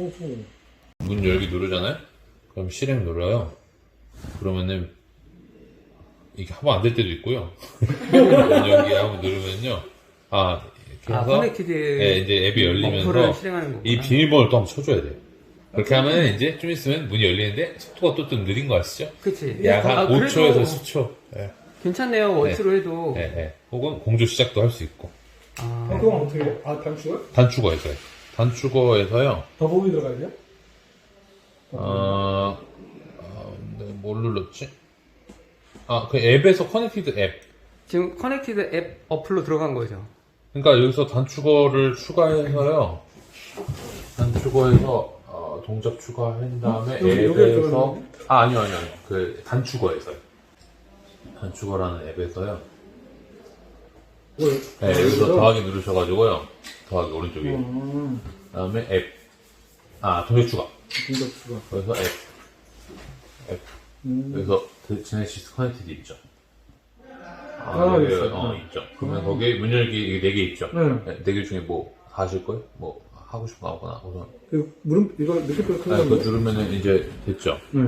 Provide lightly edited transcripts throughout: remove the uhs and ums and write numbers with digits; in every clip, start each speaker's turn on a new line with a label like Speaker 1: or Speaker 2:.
Speaker 1: 오호.
Speaker 2: 문 열기 누르잖아요? 그럼 실행 눌러요. 그러면은 이게 한번 안 될 때도 있고요. 문 열기 한번 누르면요. 이렇게 해서
Speaker 3: 커넥티드
Speaker 2: 네, 이제 앱이 열리면서
Speaker 3: 어플을 실행하는 거구나.
Speaker 2: 이 비밀번호를 또 한번 쳐줘야 돼요. 그렇게 하면 이제 좀 있으면 문이 열리는데 속도가 또 좀 느린 거 아시죠?
Speaker 3: 그치.
Speaker 2: 약 한
Speaker 3: 그래도
Speaker 2: 5초에서 10초. 네.
Speaker 3: 괜찮네요. 원수로 해도.
Speaker 2: 네, 네. 혹은 공조 시작도 할 수 있고.
Speaker 1: 그건 어떻게 해요? 단추가?
Speaker 2: 단축어에서요. 단축어에서요.
Speaker 1: 더보기 들어가야 돼요?
Speaker 2: 뭘 눌렀지? 그 앱에서 커넥티드 앱.
Speaker 3: 지금 커넥티드 앱 어플로 들어간 거죠.
Speaker 2: 그러니까 여기서 단축어를 추가해서요. 단축어에서 동작 추가한 다음에 앱에서 아니요. 그 단축어에서요. 단축어라는 앱에서요. 네, 여기서 더하기 누르셔가지고요. 더하기 오른쪽에. 그다음에 앱. 동작 추가.
Speaker 1: 동작 추가.
Speaker 2: 그래서 앱. 여기서 제네시스 커넥티드 있죠.
Speaker 1: 있어요.
Speaker 2: 있죠. 그러면 거기에 문 열기 4개 있죠.
Speaker 1: 네.
Speaker 2: 4개 중에 뭐 하실 거예요? 뭐 하고 싶은 거 아무거나. 우선.
Speaker 1: 이거 느낌표
Speaker 2: 그거
Speaker 1: 클릭하면
Speaker 2: 누르면은 이제 됐죠.
Speaker 1: 네.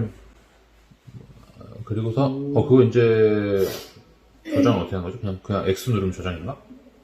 Speaker 2: 그리고서 그거 이제 저장은 어떻게 하는 거죠? 그냥 X 누르면 저장인가?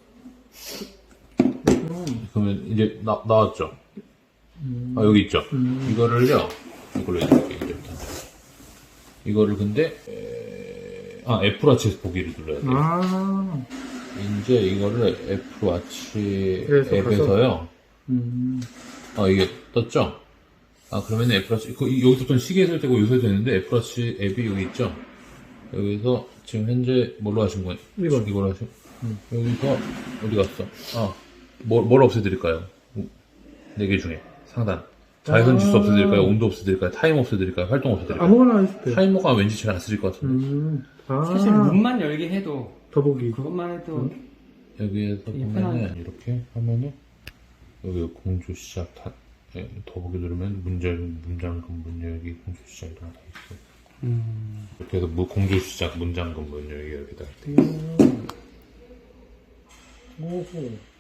Speaker 2: 그러면 이제 나왔죠. 여기 있죠. 이거를요. 이걸로 해줄게요. 이제부터. 이거를 근데 애플워치에서 보기를 눌러야 돼요. 이제 이거를 애플워치 앱에서요. 이게 떴죠? 그러면 애플워치, 여기서부터는 시계에서 되고 요새도 되는데 애플워치 앱이 여기 있죠? 여기서 지금 현재 뭘로 하신 거예요? 이걸로 하신 여기서 어디 갔어? 뭘 없애드릴까요? 4개 중에 상단. 자외선 지수 없애드릴까요? 온도 없애드릴까요? 타임 없애드릴까요? 활동 없애드릴까요?
Speaker 1: 아무거나 해주세요.
Speaker 2: 타이머가 왠지 잘 안 쓰일 것 같은데.
Speaker 3: 사실 문만 열게 해도
Speaker 1: 더보기.
Speaker 3: 그것만 해도
Speaker 2: 여기에서 보면은 이렇게 하면은 여기 공조 시작 더보기 누르면 문장금 문 열기 공조 시작 이런 거 다 있어요. 이렇게 해서 공조 시작 문장금 문 열기 이렇게 다 있어요.
Speaker 1: 오호.